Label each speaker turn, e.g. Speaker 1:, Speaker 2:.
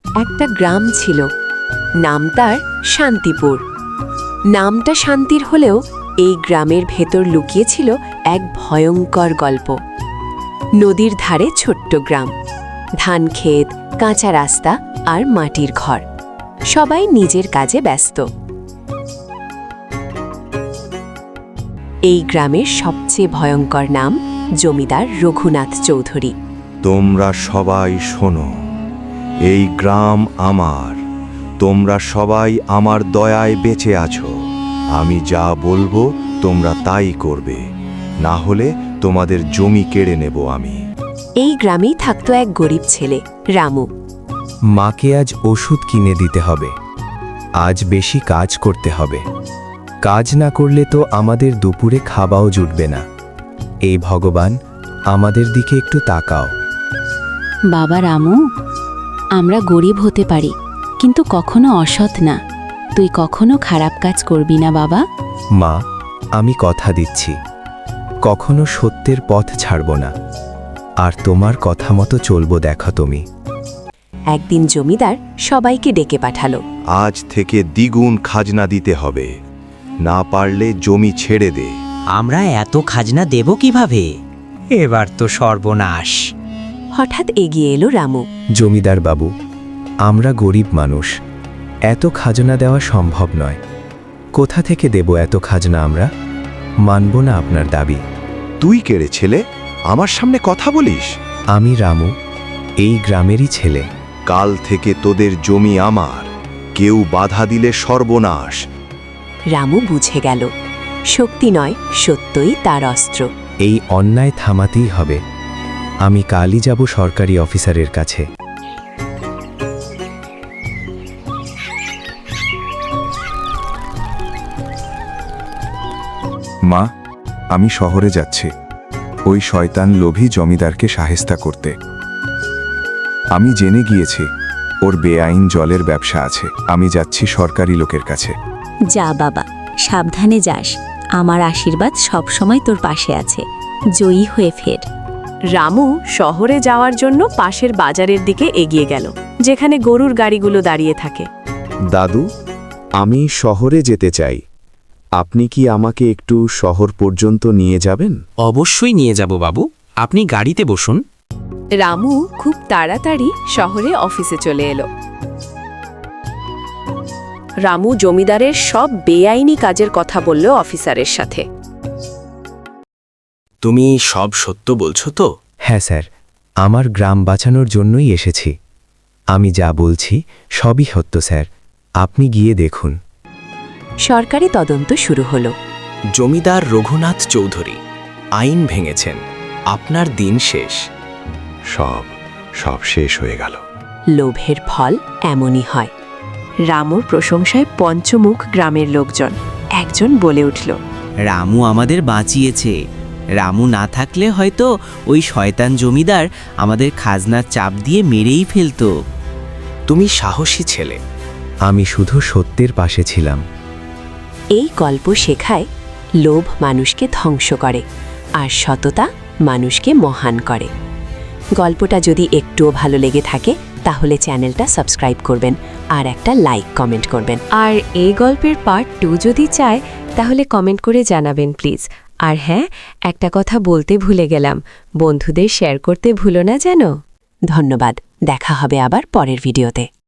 Speaker 1: একটা গ্রাম ছিল, নাম তার শান্তিপুর। নামটা শান্তির হলেও এই গ্রামের ভেতর লুকিয়েছিল এক ভয়ঙ্কর গল্প। নদীর ধারে ছোট্ট গ্রাম, ধান ক্ষেত, কাঁচা রাস্তা আর মাটির ঘর, সবাই নিজের কাজে ব্যস্ত। এই গ্রামের সবচেয়ে ভয়ঙ্কর নাম জমিদার রঘুনাথ চৌধুরী।
Speaker 2: তোমরা সবাই শোনো, এই গ্রাম আমার। তোমরা সবাই আমার দয়ায় বেঁচে আছো। আমি যা বলবো তোমরা তাই করবে, না হলে তোমাদের জমি কেড়ে নেব আমি।
Speaker 1: এই গ্রামেই থাকতো এক গরিব ছেলে, রামু।
Speaker 3: মাকে আজ ওষুধ কিনে দিতে হবে, আজ বেশি কাজ করতে হবে। কাজ না করলে তো আমাদের দুপুরে খাওয়াও জুটবে না। এই ভগবান, আমাদের দিকে একটু তাকাও।
Speaker 4: বাবা রামু, আমরা গরিব হতে পারি, কিন্তু কখনো অসৎ না। তুই কখনো খারাপ কাজ করবি না বাবা।
Speaker 3: মা, আমি কথা দিচ্ছি, কখনো সত্যের পথ ছাড়ব না, আর তোমার কথা মতো চলবো। দেখো তুমি।
Speaker 1: একদিন জমিদার সবাইকে ডেকে পাঠালো।
Speaker 2: আজ থেকে দ্বিগুণ খাজনা দিতে হবে, না পারলে জমি ছেড়ে দে।
Speaker 5: আমরা এত খাজনা দেব কিভাবে? এবার তো সর্বনাশ।
Speaker 1: হঠাৎ এগিয়ে এলো রামু।
Speaker 3: জমিদার বাবু, আমরা গরিব মানুষ, এত খাজনা দেওয়া সম্ভব নয়। কোথা থেকে দেব এত খাজনা? আমরা মানব না আপনার দাবি।
Speaker 2: তুই কেড়ে ছেলে, আমার সামনে কথা বলিস?
Speaker 3: আমি রামু, এই গ্রামেরই ছেলে।
Speaker 2: কাল থেকে তোদের জমি আমার, কেউ বাধা দিলে সর্বনাশ।
Speaker 1: রামু বুঝে গেল, শক্তি নয়, সত্যই তার অস্ত্র।
Speaker 3: এই অন্যায় থামাতেই হবে। আমি কালই যাব সরকারি অফিসারের কাছে।
Speaker 6: মা, আমি শহরে যাচ্ছি ওই শয়তান লোভী জমিদারকে সাহেস্তা করতে। আমি জেনে গিয়েছি ওর বেআইন জলের ব্যবসা আছে। আমি যাচ্ছি সরকারি লোকের কাছে।
Speaker 4: যা বাবা, সাবধানে যাস। আমার আশীর্বাদ সবসময় তোর পাশে আছে। জয়ী হয়ে ফের।
Speaker 1: রামু শহরে যাওয়ার জন্য পাশের বাজারের দিকে এগিয়ে গেল, যেখানে গরুর গাড়িগুলো দাঁড়িয়ে থাকে।
Speaker 2: দাদু, আমি শহরে যেতে চাই। আপনি কি আমাকে একটু শহর পর্যন্ত নিয়ে যাবেন?
Speaker 5: অবশ্যই নিয়ে যাব বাবু, আপনি গাড়িতে বসুন।
Speaker 1: রামু খুব তাড়াতাড়ি শহরে অফিসে চলে এলো। রামু জমিদারের সব বেআইনি কাজের কথা বলল অফিসারের সাথে।
Speaker 5: তুমি সব সত্য বলছো তো?
Speaker 3: হ্যাঁ স্যার, আমার গ্রাম বাঁচানোর জন্যই এসেছি। আমি যা বলছি সবই সত্য স্যার, আপনি গিয়ে দেখুন।
Speaker 1: সরকারি তদন্ত শুরু হলো।
Speaker 5: জমিদার রঘুনাথ চৌধুরী আইন ভেঙেছেন, আপনার দিন শেষ।
Speaker 2: সব শেষ হয়ে গেল।
Speaker 1: লোভের ফল এমনই হয়। রামুর প্রশংসায় পঞ্চমুখ গ্রামের লোকজন। একজন বলে উঠল,
Speaker 7: রামু আমাদের বাঁচিয়েছে। রামু না থাকলে হয়তো ওই শয়তান জমিদার আমাদের খাজনার চাপ দিয়ে মেরেই ফেলত।
Speaker 5: তুমি সাহসী ছেলে।
Speaker 3: আমি শুধু সত্যের পাশে ছিলাম।
Speaker 1: এই গল্প শেখায়, লোভ মানুষকে ধ্বংস করে, আর সততা মানুষকে মহান করে। গল্পটা যদি একটুও ভালো লেগে থাকে তাহলে চ্যানেলটা সাবস্ক্রাইব করবেন আর একটা লাইক কমেন্ট করবেন। আর এই গল্পের পার্ট 2 যদি চায় তাহলে কমেন্ট করে জানাবেন প্লিজ। আর হ্যাঁ, একটা কথা বলতে ভুলে গেলাম, বন্ধুদের শেয়ার করতে ভুলো না যেন। ধন্যবাদ, দেখা হবে আবার পরের ভিডিওতে।